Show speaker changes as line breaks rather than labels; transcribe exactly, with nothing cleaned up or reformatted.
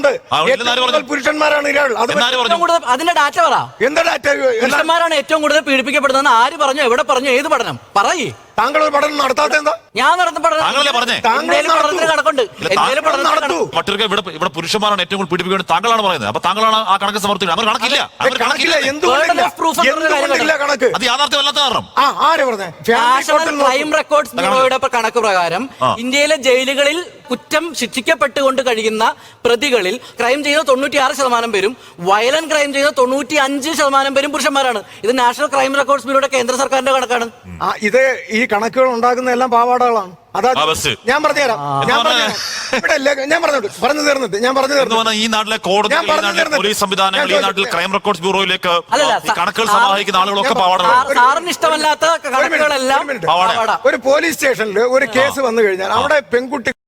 ഉണ്ട്. പുരുഷന്മാരാണ് ഇരകൾ.
അതിന്റെ ഡാറ്റ പറ.
എന്താ ഡാറ്റ?
പുരുഷന്മാരാണ് ഏറ്റവും കൂടുതൽ പീഡിപ്പിക്കപ്പെടുന്നതെന്ന് ആര് പറഞ്ഞു? എവിടെ പറഞ്ഞു? ഏത് പഠനം പറയേ?
താങ്കൾ ഒരു പഠനം നടത്താത്ത എന്താ?
ഞാൻ നടന്ന പഠനം കണക്കുണ്ട്.
ഇവിടെ പുരുഷന്മാരാണ് ഏറ്റവും കൂടുതൽ പീഡിപ്പിക്കുന്നത് താങ്കളാണ് പറയുന്നത്. അപ്പൊ താങ്കളാണ് ആ കണക്ക് സമർത്ഥിക്കുന്നത്. അവർ കണക്കില്ല. അത് യാഥാർത്ഥ്യമല്ലാത്ത കാരണം
നാഷണൽ ക്രൈം റെക്കോർഡ്സ് ബ്യൂറോയുടെ കണക്ക് പ്രകാരം ഇന്ത്യയിലെ ജയിലുകളിൽ കുറ്റം ശിക്ഷിക്കപ്പെട്ടുകൊണ്ട് കഴിയുന്ന പ്രതികളിൽ ക്രൈം ചെയ്യുന്ന തൊണ്ണൂറ്റി ആറ് ശതമാനം പേരും വയലന്റ് ക്രൈം ചെയ്യുന്ന തൊണ്ണൂറ്റി അഞ്ച് ശതമാനം പേരും പുരുഷന്മാരാണ്. ഇത് നാഷണൽ ക്രൈം റെക്കോർഡ്സ് ബ്യൂറോയുടെ കേന്ദ്ര സർക്കാരിന്റെ കണക്കാണ്.
ഇത് ഈ കണക്കുകൾ ഉണ്ടാക്കുന്ന എല്ലാം പാവാടകളാണ്. അതാ ഞാൻ പറഞ്ഞുതരാം. ഞാൻ പറഞ്ഞുതരാം. ഞാൻ പറഞ്ഞു പറഞ്ഞു തീർന്നിട്ട് ഞാൻ പറഞ്ഞു തീർന്നു.
ഈ നാട്ടിലെ കോടതി, പോലീസ് സംവിധാനങ്ങൾ, ഈ നാട്ടിൽ ക്രൈം റെക്കോർഡ്സ് ബ്യൂറോയിലേക്ക് കണക്കുകൾ സമാഹരിക്കുന്ന ആളുകളൊക്കെ പാവാടകളാണ്.
സാറിന് ഇഷ്ടമല്ലാത്ത കണക്കുകളെല്ലാം
ഒരു പോലീസ് സ്റ്റേഷനിൽ ഒരു കേസ് വന്നു കഴിഞ്ഞാൽ അവിടെ പെൺകുട്ടി